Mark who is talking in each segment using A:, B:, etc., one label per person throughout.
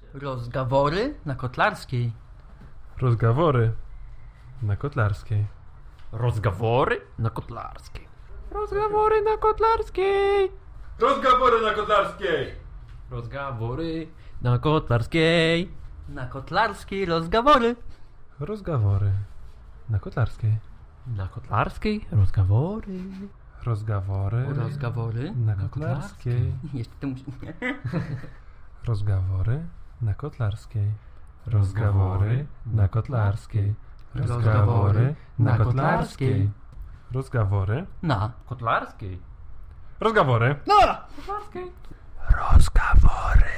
A: Rozgawory na Kotlarskiej.
B: Rozgawory na Kotlarskiej.
C: Rozgawory na Kotlarskiej.
B: Rozgawory na Kotlarskiej. Rozgawory na Kotlarskiej.
C: Rozgawory na Kotlarskiej.
A: Na Kotlarskiej rozgawory.
B: Rozgawory na Kotlarskiej.
C: Na Kotlarskiej rozgawory.
B: Rozgawory
A: Rozgawory
B: na Kotlarskiej.
A: Jeszcze to musi...
B: Rozgawory na Kotlarskiej. Rozgawory na Kotlarskiej. Rozgawory na Kotlarskiej. Rozgawory.
A: Na.
C: Kotlarskiej.
B: Rozgawory.
A: Na!
C: Kotlarskiej.
B: Rozgawory.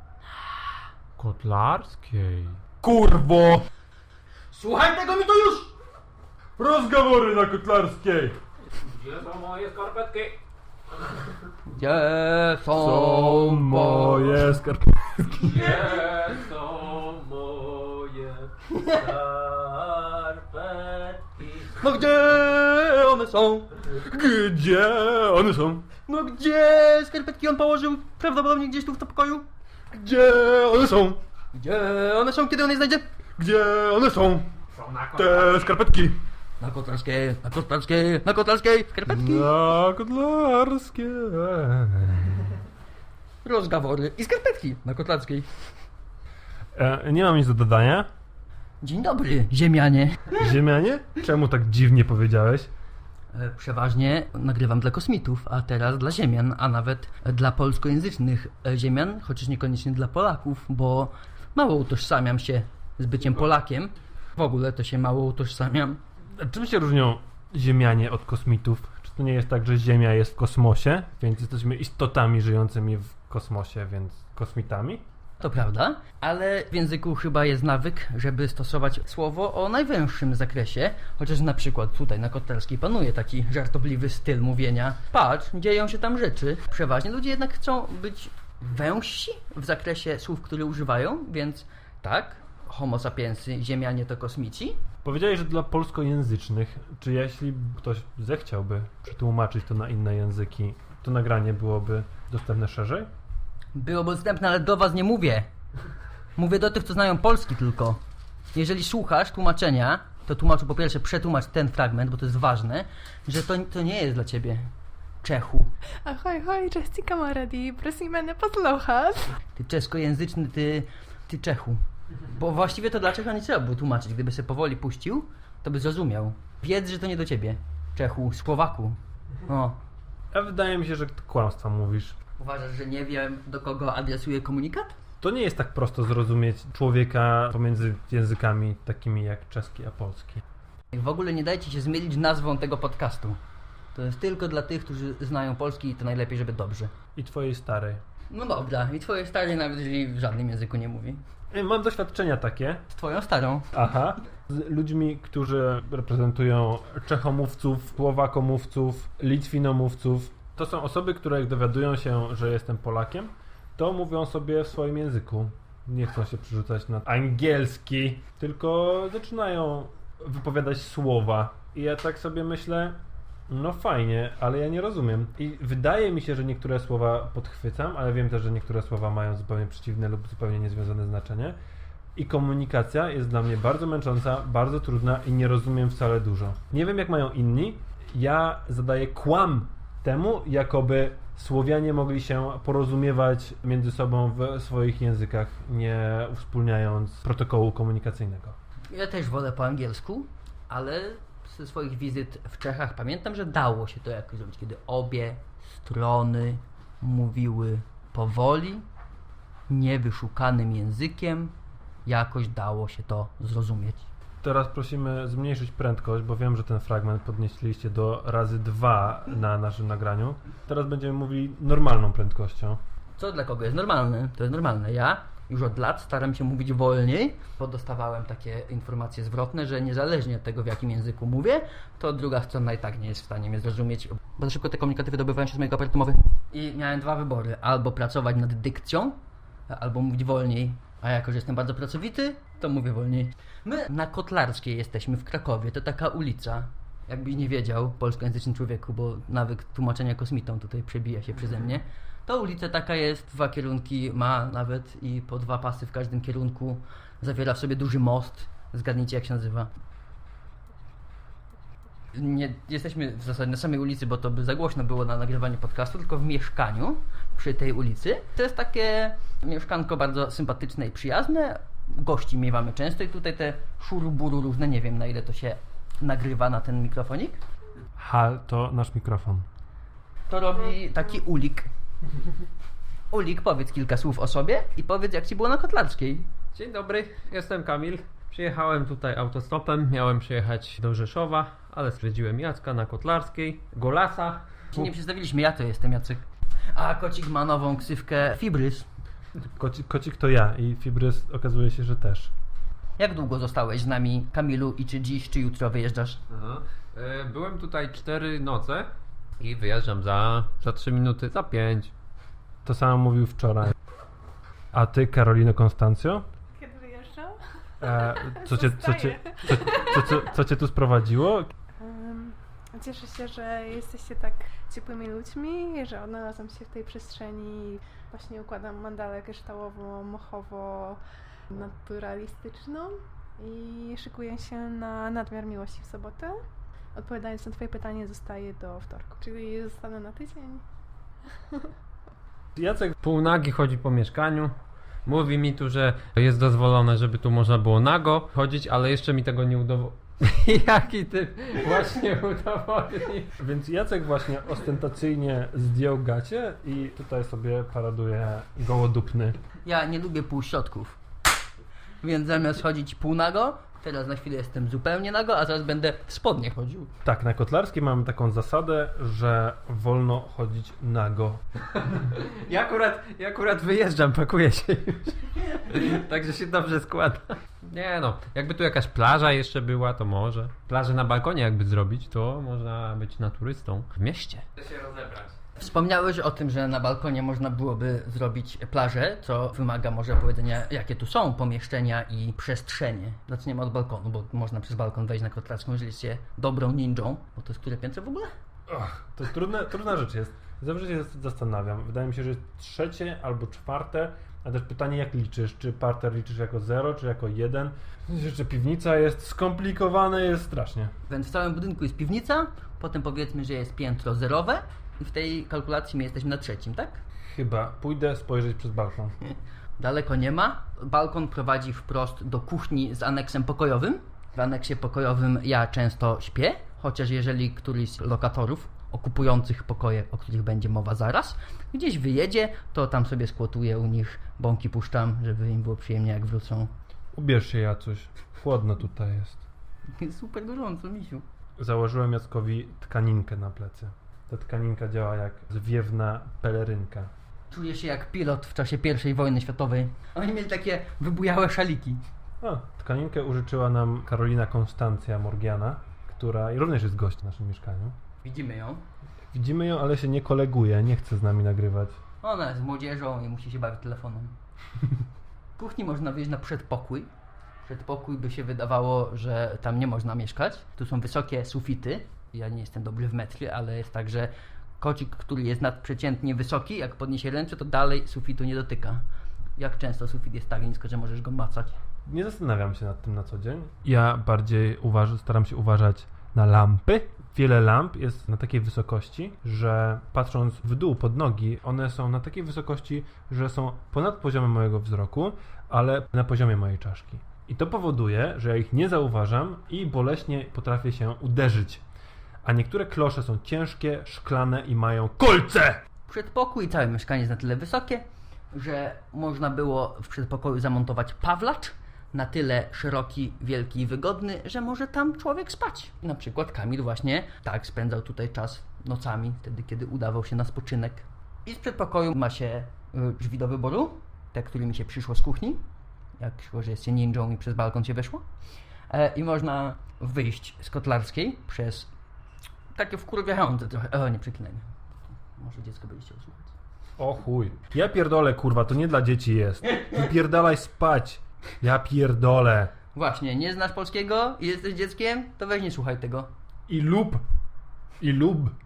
C: Kotlarskiej.
B: Kurwo!
A: Słuchaj tego mi to już!
B: Rozgawory na Kotlarskiej.
C: Gdzie są moje skarpetki?
A: Gdzie
B: Są moje skarpetki.
C: Gdzie są moje skarpetki?
A: No gdzie one są?
B: Gdzie one są?
A: No gdzie skarpetki on położył? Prawdopodobnie gdzieś tu w to pokoju.
B: Gdzie one są?
A: Gdzie one są, kiedy on je znajdzie?
B: Gdzie one są?
C: Są na
B: Te skarpetki.
A: Na Kotlarskiej, na Kotlarskiej, na Kotlarskiej, skarpetki.
B: Na Kotlarskiej.
A: Rozgawory i skarpetki na Kotlarskiej.
B: Nie mam nic do dodania.
A: Dzień dobry, ziemianie.
B: Ziemianie? Czemu tak dziwnie powiedziałeś?
A: Przeważnie nagrywam dla kosmitów, a teraz dla ziemian, a nawet dla polskojęzycznych ziemian, chociaż niekoniecznie dla Polaków, bo mało utożsamiam się z byciem Polakiem. W ogóle to się mało utożsamiam.
B: Czym się różnią ziemianie od kosmitów? Czy to nie jest tak, że Ziemia jest w kosmosie, więc jesteśmy istotami żyjącymi w kosmosie, więc kosmitami?
A: To prawda, ale w języku chyba jest nawyk, żeby stosować słowo o najwęższym zakresie, chociaż na przykład tutaj na Kotlarskiej panuje taki żartobliwy styl mówienia. Patrz, dzieją się tam rzeczy. Przeważnie ludzie jednak chcą być wężsi w zakresie słów, które używają, więc tak, homo sapiensy, ziemianie to kosmici.
B: Powiedziałeś, że dla polskojęzycznych, czy jeśli ktoś zechciałby przetłumaczyć to na inne języki, to nagranie byłoby dostępne szerzej?
A: Byłoby dostępne, ale do was nie mówię. Mówię do tych, co znają polski tylko. Jeżeli słuchasz tłumaczenia, to tłumaczu po pierwsze przetłumacz ten fragment, bo to jest ważne, że to nie jest dla ciebie, Czechu.
D: Ahoj, cześć kamaradi, prosimy nie posłuchać.
A: Ty czeskojęzyczny, ty Czechu. Bo właściwie to dla Czecha nie trzeba było tłumaczyć. Gdyby się powoli puścił, to by zrozumiał. Wiedz, że to nie do ciebie, Czechu, Słowaku. O.
B: A wydaje mi się, że kłamstwa mówisz.
A: Uważasz, że nie wiem, do kogo adresuję komunikat?
B: To nie jest tak prosto zrozumieć człowieka pomiędzy językami takimi jak czeski a polski.
A: W ogóle nie dajcie się zmylić nazwą tego podcastu. To jest tylko dla tych, którzy znają polski i to najlepiej, żeby dobrze.
B: I twojej starej.
A: No dobra, i twoje stare nawet jeżeli w żadnym języku nie mówi.
B: Mam doświadczenia takie.
A: Z twoją starą.
B: Aha. Z ludźmi, którzy reprezentują czechomówców, słowakomówców, litwinomówców. To są osoby, które jak dowiadują się, że jestem Polakiem, to mówią sobie w swoim języku. Nie chcą się przerzucać na angielski, tylko zaczynają wypowiadać słowa. I ja tak sobie myślę, no fajnie, ale ja nie rozumiem. I wydaje mi się, że niektóre słowa podchwycam, ale wiem też, że niektóre słowa mają zupełnie przeciwne lub zupełnie niezwiązane znaczenie. I komunikacja jest dla mnie bardzo męcząca, bardzo trudna i nie rozumiem wcale dużo. Nie wiem jak mają inni. Ja zadaję kłam temu, jakoby Słowianie mogli się porozumiewać między sobą w swoich językach, nie uwspólniając protokołu komunikacyjnego.
A: Ja też wolę po angielsku, ale ze swoich wizyt w Czechach pamiętam, że dało się to jakoś zrobić, kiedy obie strony mówiły powoli, niewyszukanym językiem, jakoś dało się to zrozumieć.
B: Teraz prosimy zmniejszyć prędkość, bo wiem, że ten fragment podnieśliście do razy 2 na naszym nagraniu. Teraz będziemy mówili normalną prędkością.
A: Co dla kogo jest normalne? To jest normalne. Ja już od lat staram się mówić wolniej, bo dostawałem takie informacje zwrotne, że niezależnie od tego, w jakim języku mówię, to druga strona i tak nie jest w stanie mnie zrozumieć. Bardzo szybko te komunikaty wydobywają się z mojego aparatu mowy. I miałem dwa wybory. Albo pracować nad dykcją, albo mówić wolniej. A jako, że jestem bardzo pracowity, to mówię wolniej. My na Kotlarskiej jesteśmy w Krakowie. To taka ulica. Jakbyś nie wiedział, polskojęzyczny człowieku, bo nawyk tłumaczenia kosmitą tutaj przebija się przeze mnie. To ulica taka jest, 2 kierunki ma nawet i po 2 pasy w każdym kierunku. Zawiera w sobie duży most. Zgadnijcie, jak się nazywa. Nie jesteśmy w zasadzie na samej ulicy, bo to by za głośno było na nagrywanie podcastu, tylko w mieszkaniu przy tej ulicy. To jest takie mieszkanko bardzo sympatyczne i przyjazne. Gości miewamy często i tutaj te szuruburu różne, nie wiem na ile to się nagrywa na ten mikrofonik.
B: Hal, to nasz mikrofon.
A: To robi taki Ulik. Ulik, powiedz kilka słów o sobie i powiedz, jak ci było na Kotlarskiej.
C: Dzień dobry, jestem Kamil. Przyjechałem tutaj autostopem, miałem przyjechać do Rzeszowa, ale stwierdziłem Jacka na Kotlarskiej, Golasa.
A: Ci nie przedstawiliśmy, ja to jestem Jacek. A Kocik ma nową ksywkę Fibrys.
B: Kocik to ja i Fibrys okazuje się, że też.
A: Jak długo zostałeś z nami, Kamilu, i czy dziś, czy jutro wyjeżdżasz?
C: Aha. Byłem tutaj 4 noce i wyjeżdżam za 3 minuty, za 5.
B: To samo mówił wczoraj. A ty, Karolino Konstancjo?
D: Kiedy wyjeżdżam?
B: Co cię tu sprowadziło?
D: Cieszę się, że jesteście tak ciepłymi ludźmi, że odnalazłam się w tej przestrzeni. Właśnie układam mandalę kryształowo-mochowo-naturalistyczną i szykuję się na nadmiar miłości w sobotę. Odpowiadając na twoje pytanie, zostaję do wtorku, czyli zostanę na tydzień.
B: Jacek,
C: Półnagi chodzi po mieszkaniu. Mówi mi tu, że jest dozwolone, żeby tu można było nago chodzić, ale jeszcze mi tego nie udowodnił. Jaki ty właśnie udowodnił?
B: więc Jacek właśnie ostentacyjnie zdjął gacie i tutaj sobie paraduje gołodupny.
A: Ja nie lubię półśrodków. Więc zamiast chodzić półnago, teraz na chwilę jestem zupełnie nago, a zaraz będę w spodnie chodził.
B: Tak, na Kotlarskiej mamy taką zasadę, że wolno chodzić nago.
C: Ja akurat wyjeżdżam, pakuję się już. Także się dobrze składa. Nie no, jakby tu jakaś plaża jeszcze była, to może. Plażę na balkonie jakby zrobić, to można być naturystą w mieście. Się rozebrać.
A: Wspomniałeś o tym, że na balkonie można byłoby zrobić plażę, co wymaga może powiedzenia, jakie tu są pomieszczenia i przestrzenie. Zaczniemy od balkonu, bo można przez balkon wejść na Kotlarską, jeżeli jesteście dobrą ninją. Bo to jest które piętro w ogóle?
B: To trudna rzecz jest. Zawsze się zastanawiam. Wydaje mi się, że jest 3. albo 4. A też pytanie, jak liczysz? Czy parter liczysz jako 0, czy jako 1? Jeszcze piwnica jest skomplikowane, jest strasznie.
A: Więc w całym budynku jest piwnica, potem powiedzmy, że jest piętro zerowe i w tej kalkulacji my jesteśmy na 3, tak?
B: Chyba. Pójdę spojrzeć przez balkon.
A: Daleko nie ma. Balkon prowadzi wprost do kuchni z aneksem pokojowym. W aneksie pokojowym ja często śpię, chociaż jeżeli któryś z lokatorów okupujących pokoje, o których będzie mowa zaraz, gdzieś wyjedzie, to tam sobie skłotuję u nich, bąki puszczam, żeby im było przyjemnie jak wrócą.
B: Ubierz się, Jacuś. Chłodno tutaj jest.
A: Jest super gorąco, misiu.
B: Założyłem Jackowi tkaninkę na plecy. Ta tkaninka działa jak zwiewna pelerynka.
A: Czuję się jak pilot w czasie I wojny światowej. Oni mieli takie wybujałe szaliki.
B: Tkaninkę użyczyła nam Karolina Konstancja Morgiana, która również jest gość w naszym mieszkaniu.
A: Widzimy ją.
B: Widzimy ją, ale się nie koleguje, nie chce z nami nagrywać.
A: Ona jest młodzieżą i musi się bawić telefonem. W kuchni można wyjść na przedpokój. Przedpokój by się wydawało, że tam nie można mieszkać. Tu są wysokie sufity. Ja nie jestem dobry w metry, ale jest tak, że kocik, który jest nadprzeciętnie wysoki, jak podniesie ręce, to dalej sufitu nie dotyka. Jak często sufit jest tak nisko, że możesz go macać?
B: Nie zastanawiam się nad tym na co dzień. Ja bardziej staram się uważać na lampy. Wiele lamp jest na takiej wysokości, że patrząc w dół pod nogi, one są na takiej wysokości, że są ponad poziomem mojego wzroku, ale na poziomie mojej czaszki. I to powoduje, że ja ich nie zauważam i boleśnie potrafię się uderzyć. A niektóre klosze są ciężkie, szklane i mają kolce!
A: Przedpokój i całe mieszkanie jest na tyle wysokie, że można było w przedpokoju zamontować pawlacz, na tyle szeroki, wielki i wygodny, że może tam człowiek spać. Na przykład Kamil właśnie tak spędzał tutaj czas nocami, wtedy kiedy udawał się na spoczynek. I z przedpokoju ma się drzwi do wyboru, te, którymi się przyszło z kuchni, jak szło, że jest się ninją i przez balkon się weszło. I można wyjść z Kotlarskiej przez takie wkurwiające trochę. Nie przeklinajmy. Może dziecko będzie chciało słuchać.
B: O chuj. Ja pierdolę, kurwa, to nie dla dzieci jest. Wypierdalaj spać. Ja pierdolę.
A: Właśnie, nie znasz polskiego i jesteś dzieckiem, to weź nie słuchaj tego.
B: I lub.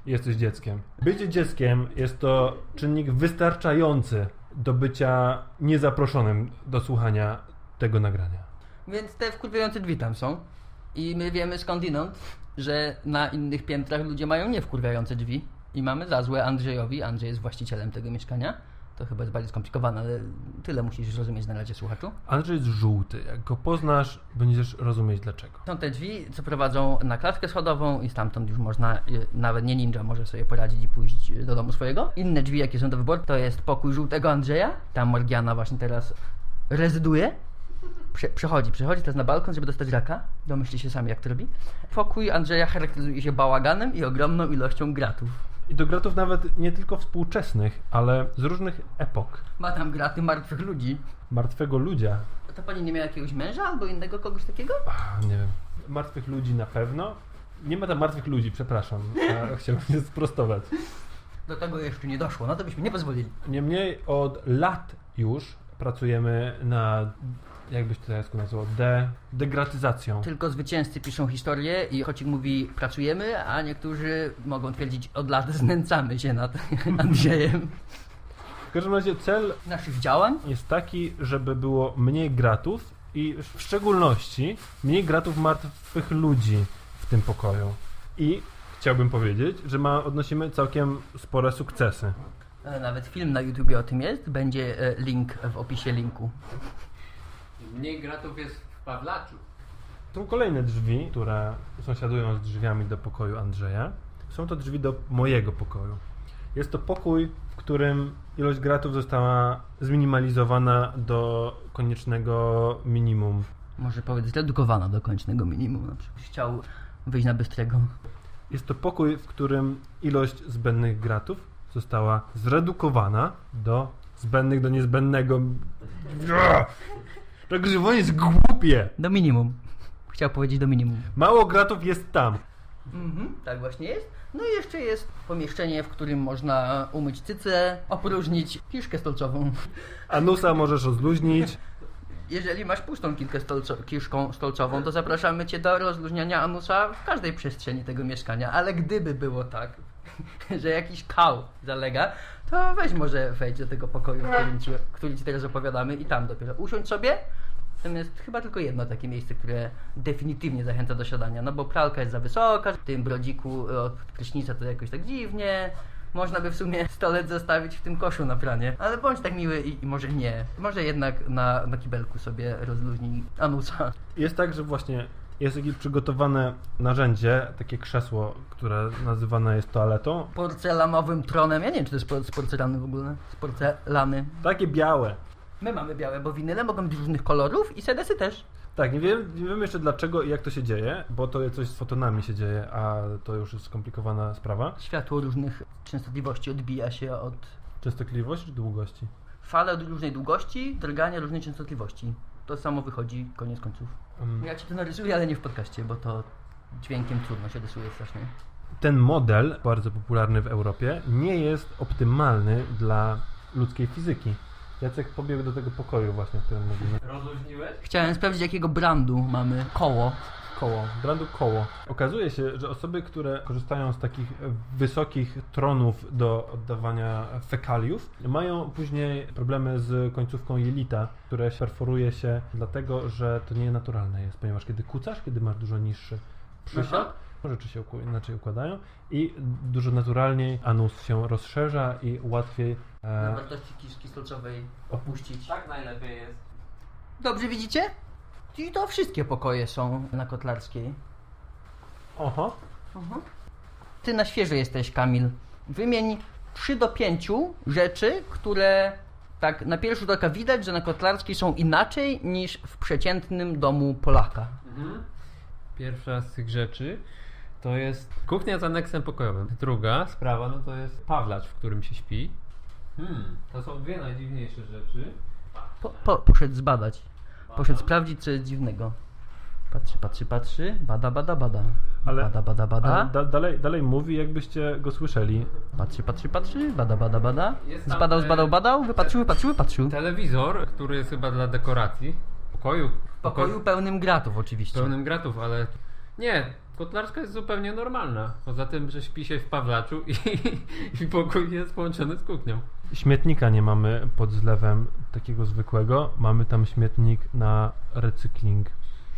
B: jesteś dzieckiem. Bycie dzieckiem jest to czynnik wystarczający do bycia niezaproszonym do słuchania tego nagrania.
A: Więc te wkurwiające drzwi tam są. I my wiemy skądinąd, że na innych piętrach ludzie mają niewkurwiające drzwi. I mamy za złe Andrzejowi. Andrzej jest właścicielem tego mieszkania. To chyba jest bardziej skomplikowane, ale tyle musisz zrozumieć na razie, słuchaczu.
B: Andrzej jest żółty. Jak go poznasz, będziesz rozumieć dlaczego.
A: Są te drzwi, co prowadzą na klatkę schodową i stamtąd już można, nawet nie ninja może sobie poradzić i pójść do domu swojego. Inne drzwi, jakie są do wyboru, to jest pokój żółtego Andrzeja. Tam Morgiana właśnie teraz rezyduje. Przechodzi teraz na balkon, żeby dostać raka. Domyślcie się sami, jak to robi. Pokój Andrzeja charakteryzuje się bałaganem i ogromną ilością gratów.
B: I do gratów nawet nie tylko współczesnych, ale z różnych epok.
A: Ma tam graty martwych ludzi.
B: Martwego ludzia.
A: To pani nie miała jakiegoś męża albo innego kogoś takiego?
B: Nie wiem. Martwych ludzi na pewno. Nie ma tam martwych ludzi, przepraszam. Chciałbym się sprostować.
A: Do tego jeszcze nie doszło, no to byśmy nie pozwolili.
B: Niemniej od lat już pracujemy nad, jakbyś to teraz nazwał, degratyzacją.
A: Tylko zwycięzcy piszą historię i Chocik mówi pracujemy, a niektórzy mogą twierdzić od lat znęcamy się nad Andrzejem.
B: W każdym razie cel
A: Naszych działań.
B: jest taki, żeby było mniej gratów i w szczególności mniej gratów martwych ludzi w tym pokoju. I chciałbym powiedzieć, że odnosimy całkiem spore sukcesy.
A: Nawet film na YouTubie o tym jest, będzie link w opisie linku.
C: Mniej gratów jest w Pawlaczu.
B: Są kolejne drzwi, które sąsiadują z drzwiami do pokoju Andrzeja. Są to drzwi do mojego pokoju. Jest to pokój, w którym ilość gratów została zminimalizowana do koniecznego minimum.
A: Może powiedz zredukowana do kończnego minimum. Na przykład chciał wyjść na bystrego.
B: Jest to pokój, w którym ilość zbędnych gratów została zredukowana do zbędnych do niezbędnego. Rozgrywanie jest głupie!
A: Do minimum. Chciał powiedzieć do minimum.
B: Mało gratów jest tam.
A: Tak właśnie jest. No i jeszcze jest pomieszczenie, w którym można umyć cycę, opróżnić kiszkę stolcową.
B: Anusa możesz rozluźnić.
A: Jeżeli masz pustą kiszką stolcową, to zapraszamy Cię do rozluźniania anusa w każdej przestrzeni tego mieszkania. Ale gdyby było tak, że jakiś kał zalega, to weź może wejdź do tego pokoju, który Ci teraz opowiadamy i tam dopiero usiądź sobie. Tam jest chyba tylko jedno takie miejsce, które definitywnie zachęca do siadania, no bo pralka jest za wysoka, w tym brodziku od prysznica to jakoś tak dziwnie. Można by w sumie stolec zostawić w tym koszu na pranie, ale bądź tak miły i może nie. Może jednak na kibelku sobie rozluźnij anusa.
B: Jest tak, że właśnie jest jakieś przygotowane narzędzie, takie krzesło, które nazywane jest toaletą.
A: Porcelanowym tronem, ja nie wiem czy to jest z porcelany w ogóle, z porcelany.
B: Takie białe.
A: My mamy białe, bo winyle mogą być różnych kolorów i sedesy też.
B: Tak, nie wiem jeszcze dlaczego i jak to się dzieje, bo to coś z fotonami się dzieje, a to już jest skomplikowana sprawa.
A: Światło różnych częstotliwości odbija się od...
B: Częstotliwość czy długości?
A: Fale od różnej długości, drgania różnej częstotliwości. To samo wychodzi, koniec końców. Ja Ci to narysuję, ale nie w podcaście, bo to dźwiękiem trudno się rysuje strasznie.
B: Ten model, bardzo popularny w Europie, nie jest optymalny dla ludzkiej fizyki. Jacek pobiegł do tego pokoju właśnie, o którym mówimy.
C: Rozluźniłeś?
A: Chciałem sprawdzić, jakiego brandu mamy koło.
B: Brandu koło. Okazuje się, że osoby, które korzystają z takich wysokich tronów do oddawania fekaliów, mają później problemy z końcówką jelita, które perforuje się dlatego, że to nie naturalne jest, ponieważ kiedy kucasz, kiedy masz dużo niższy przysiad, rzeczy się inaczej układają i dużo naturalniej anus się rozszerza i łatwiej
A: Na wartości kiszki stolcowej opuścić.
C: Tak najlepiej jest.
A: Dobrze widzicie? I to wszystkie pokoje są na Kotlarskiej.
B: Oho.
A: Ty na świeżo jesteś, Kamil. Wymień 3 do 5 rzeczy, które tak na pierwszy rzut oka widać, że na Kotlarskiej są inaczej niż w przeciętnym domu Polaka.
C: Pierwsza z tych rzeczy to jest kuchnia z aneksem pokojowym. Druga sprawa no to jest Pawlacz, w którym się śpi. To są dwie najdziwniejsze rzeczy.
A: Poszedł zbadać. Poszedł sprawdzić, co jest dziwnego. Patrzy. Bada.
B: Ale,
A: Bada.
B: dalej mówi, jakbyście go słyszeli.
A: Patrzy. Bada.
C: Jest tam,
A: Zbadał. Wypatrzył.
C: Telewizor, który jest chyba dla dekoracji.
A: W pokoju pełnym gratów oczywiście.
C: Pełnym gratów, ale nie, Kotlarska jest zupełnie normalna. Poza tym, że śpi się w Pawlaczu i pokój jest połączony z kuchnią.
B: Śmietnika nie mamy pod zlewem takiego zwykłego. Mamy tam śmietnik na recykling.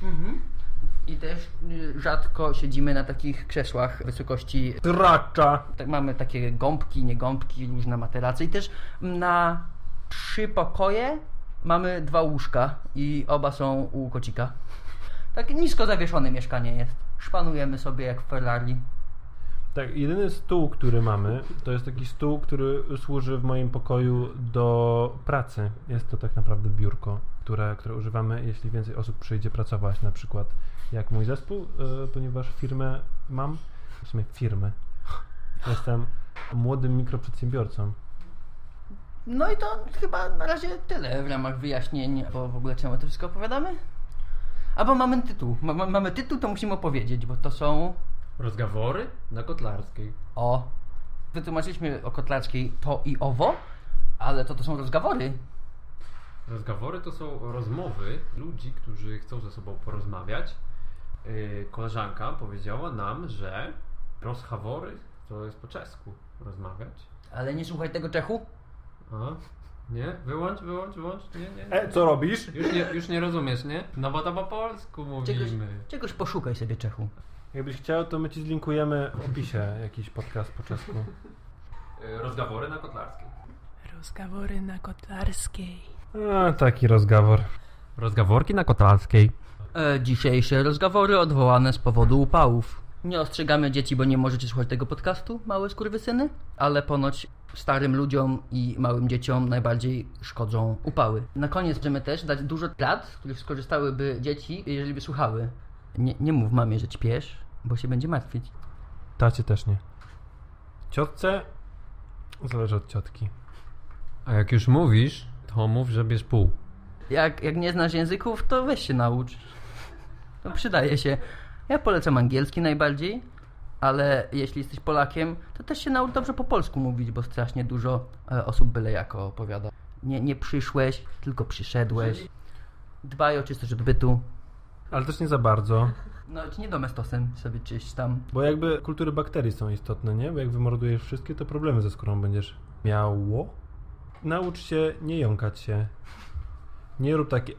A: I też rzadko siedzimy na takich krzesłach wysokości.
B: Tracza!
A: Mamy takie gąbki, nie gąbki, różne materace. I też na 3 pokoje mamy 2 łóżka i oba są u kocika. Tak nisko zawieszone mieszkanie jest. Szpanujemy sobie jak w Ferrari.
B: Tak, jedyny stół, który mamy, to jest taki stół, który służy w moim pokoju do pracy. Jest to tak naprawdę biurko, które używamy, jeśli więcej osób przyjdzie pracować, na przykład jak mój zespół, ponieważ firmę mam, w sumie firmę. Jestem młodym mikroprzedsiębiorcą.
A: No i to chyba na razie tyle w ramach wyjaśnień, bo w ogóle czemu to wszystko opowiadamy? Albo mamy tytuł. Mamy tytuł, to musimy opowiedzieć, bo to są...
C: Rozgawory na Kotlarskiej.
A: O, wytłumaczyliśmy o Kotlarskiej to i owo, ale to są rozgawory.
C: Rozgawory to są rozmowy ludzi, którzy chcą ze sobą porozmawiać. Koleżanka powiedziała nam, że rozgawory to jest po czesku rozmawiać.
A: Ale nie słuchaj tego Czechu.
C: A? Nie? Wyłącz. Nie.
B: Co robisz?
C: Już nie rozumiesz, nie? No bo to po polsku mówimy.
A: Czegoś poszukaj sobie Czechu.
B: Jakbyś chciał, to my ci zlinkujemy w opisie jakiś podcast po czesku.
C: Rozgawory na Kotlarskiej.
D: Rozgawory na Kotlarskiej.
B: A, taki rozgawor.
C: Rozgaworki na Kotlarskiej.
A: Dzisiejsze rozgawory odwołane z powodu upałów. Nie ostrzegamy dzieci, bo nie możecie słuchać tego podcastu, małe skurwysyny, ale ponoć starym ludziom i małym dzieciom najbardziej szkodzą upały. Na koniec chcemy też dać dużo rad, z których skorzystałyby dzieci, jeżeli by słuchały. Nie mów mamie, że ćpiesz, bo się będzie martwić.
B: Tacie też nie. Ciotce zależy od ciotki.
C: A jak już mówisz, to mów, że bierz pół.
A: Jak nie znasz języków, to weź się naucz. To przydaje się. Ja polecam angielski najbardziej, ale jeśli jesteś Polakiem, to też się naucz dobrze po polsku mówić, bo strasznie dużo osób byle jako opowiada. Nie przyszłeś, tylko przyszedłeś. Dbaj o czystość odbytu.
B: Ale też nie za bardzo.
A: No, nie domestosem sobie czyść tam.
B: Bo jakby kultury bakterii są istotne, nie? Bo jak wymordujesz wszystkie, to problemy ze skórą będziesz miało. Naucz się nie jąkać się. Nie rób takie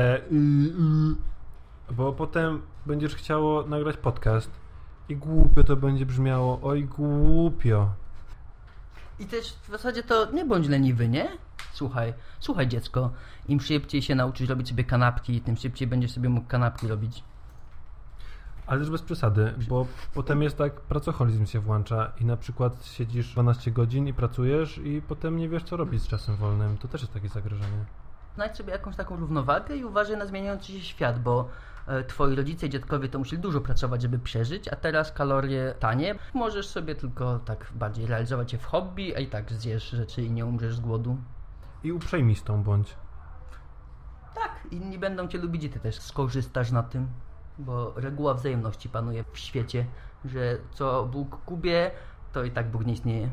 B: bo potem będziesz chciało nagrać podcast i głupio to będzie brzmiało. Oj, głupio.
A: I też w zasadzie to nie bądź leniwy, nie? Słuchaj dziecko, im szybciej się nauczysz robić sobie kanapki, tym szybciej będziesz sobie mógł kanapki robić.
B: Ale też bez przesady, bo potem jest tak, pracoholizm się włącza i na przykład siedzisz 12 godzin i pracujesz i potem nie wiesz co robić z czasem wolnym. To też jest takie zagrożenie.
A: Znajdź sobie jakąś taką równowagę i uważaj na zmieniający się świat, bo twoi rodzice i dziadkowie to musieli dużo pracować, żeby przeżyć, a teraz kalorie tanie. Możesz sobie tylko tak bardziej realizować się w hobby, a i tak zjesz rzeczy i nie umrzesz z głodu.
B: I uprzejmistą bądź.
A: Tak, inni będą cię lubić i ty też skorzystasz na tym, bo reguła wzajemności panuje w świecie, że co Bóg kubie, to i tak Bóg nie istnieje.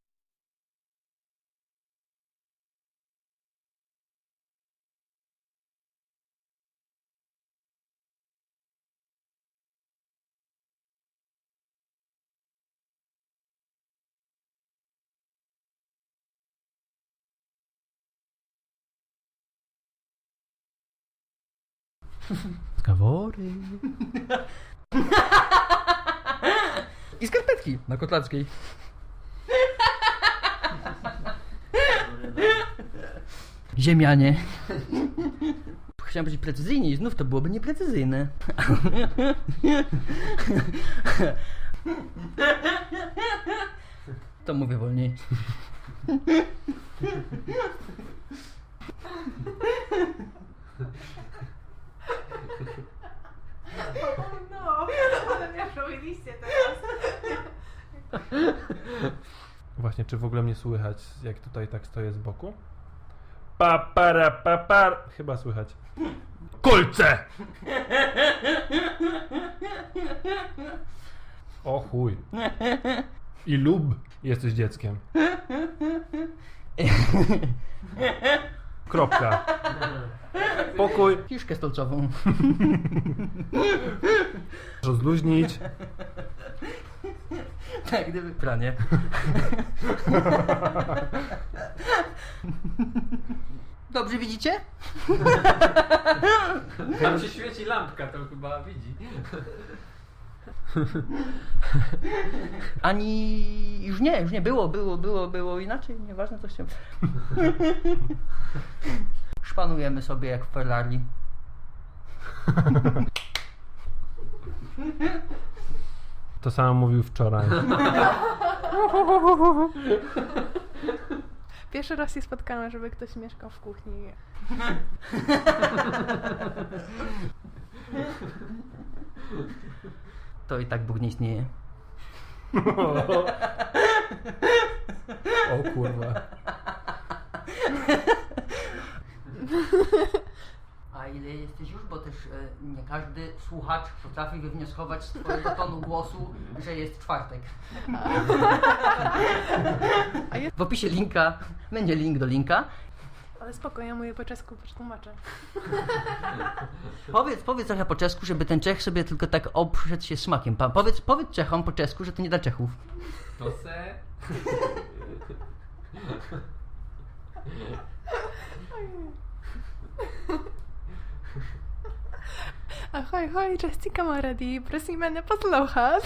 C: Rozgawory.
A: I skarpetki na Kotlarskiej. Ziemianie. Chciałem być precyzyjniej i znów to byłoby nieprecyzyjne. To mówię wolniej.
D: No, ale mnie robiliście teraz.
B: Właśnie, czy w ogóle mnie słychać, jak tutaj tak stoję z boku? Pa. Chyba słychać. Kolce! O chuj. I lub jesteś dzieckiem. Kropka. pokój,
A: Kiszkę stolcową.
B: rozluźnić.
A: Tak, gdyby pranie. Dobrze widzicie?
C: Tam się świeci lampka, to chyba widzi.
A: Ani... Już nie. Było inaczej. Nieważne co się... Szpanujemy sobie jak w Ferrari.
B: To samo mówił wczoraj.
D: Pierwszy raz się spotkałam, żeby ktoś mieszkał w kuchni.
A: To i tak Bóg nie istnieje.
B: O kurwa.
A: A ile jesteś już? Bo też nie każdy słuchacz potrafi wywnioskować z twojego tonu głosu, że jest czwartek. W opisie linka będzie link do linka.
D: Ale spoko, ja mówię po czesku, przetłumaczę.
A: Powiedz trochę po czesku, żeby ten Czech sobie tylko tak obszedł się smakiem. Powiedz Czechom po czesku, że to nie dla Czechów.
C: To se...
D: Ahoj, czesті kamarádi, prosíme neposlouchat.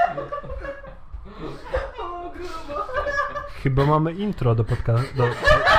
B: Chyba mamy intro do podcastu.